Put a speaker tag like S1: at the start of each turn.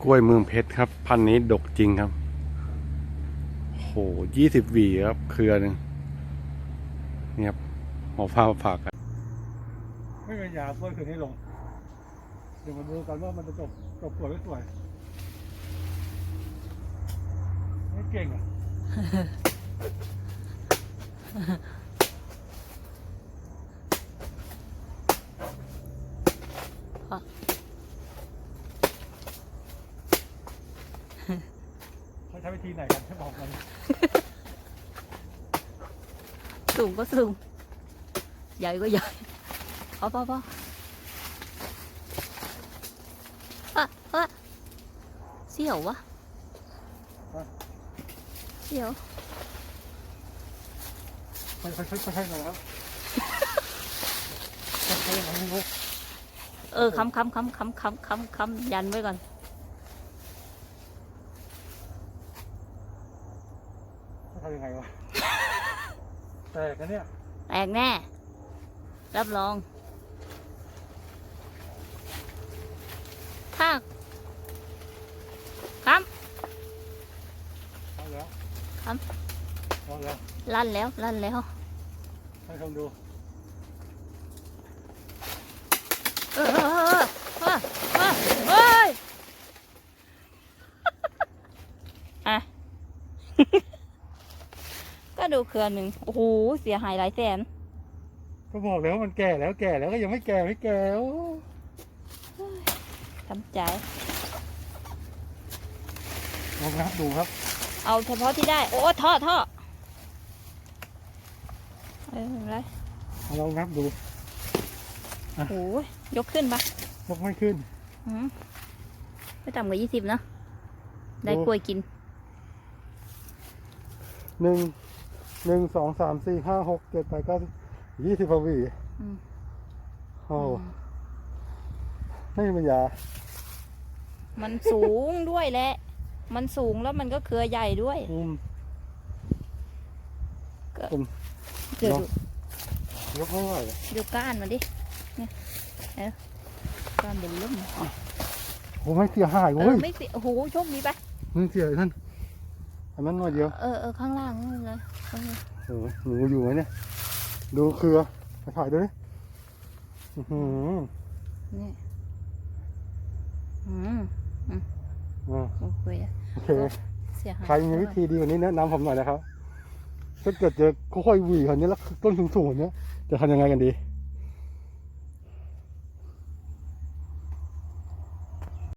S1: กล้วยเมืองเพชรครับพันธุ์นี้ดกจริงครับโห20 หวีครับเครือหนึ่งนี่ครับหอฟ้าฝากกัน
S2: ไม่เป็นยากล้วยคืนนี้ลงเดี๋ยวมาดูกันว่ามันจะจบสวยไม่สวยไม่เก่งอ่ะเขาใช้วิธีไหนกันให้บอกมัน
S3: สูงก็สูงใหญ่ก็ใหญ่พอเสี่ยววะเสี่ยว
S2: ค่อยๆหน่อยครับค่อยๆหน่อยนึงเลย
S3: คำยันไว้ก่อน
S2: ทำยังไงวะแตกนะเนี่ย
S3: แตกแน่รับรองถ้าคำ
S2: เอาแล้ว
S3: ค
S2: เอาแล้ว
S3: ำลั่นแล้ว
S2: ให้ลองดู
S3: เฮ้ยอ่ะ ก็ดูเครือหนึ่งโอ้โหเสียหายหลายแสน
S2: ก็บอกแล้วมันแก่แล้วก็ยังไม่แก่โอ้
S3: ทำใจ
S2: ลองนับดูครับ
S3: เอาเฉพาะที่ได้โอ้ท่ออะไร
S2: ลองนับดู
S3: โอ้โหยกขึ้นปะ
S2: ยกไม่ขึ้น
S3: ไม่ต่ำกว่า20เนอะได้กล้วยกิน
S2: 1 2 3 4 5 6 7 8 9 20 กว่าหวีโอ้ไม่มีปัญญา
S3: มันสูงด้วยแหละ มันสูงแล้วมันก็เครือใหญ่ด้วยก็เดี๋ยวย
S2: กไม่ไหวเลย
S3: ดูก้านมันดิเนี่ยก้านเป็นลุ่ม
S2: โอ้ไม่เสียหายเว้ย
S3: ไม่เสียโอ้โหโชคดีไป
S2: ไม่เสียท่านอันนั้นหน่อยเดียว
S3: ข้างล่างนั่นเลย
S2: หนูอยู่ไหมเนี่ยดูเครือไปถ่ายด้วย
S3: นี่โอเค
S2: โอเค
S3: เสียหาย
S2: ใครมีวิธีดีกว่านี้แนะนำผมหน่อยนะครับถ้าเกิดเจอค่อยๆหวีคนนี้แล้วต้นสูงๆเนี้ยจะทำยังไงกันดี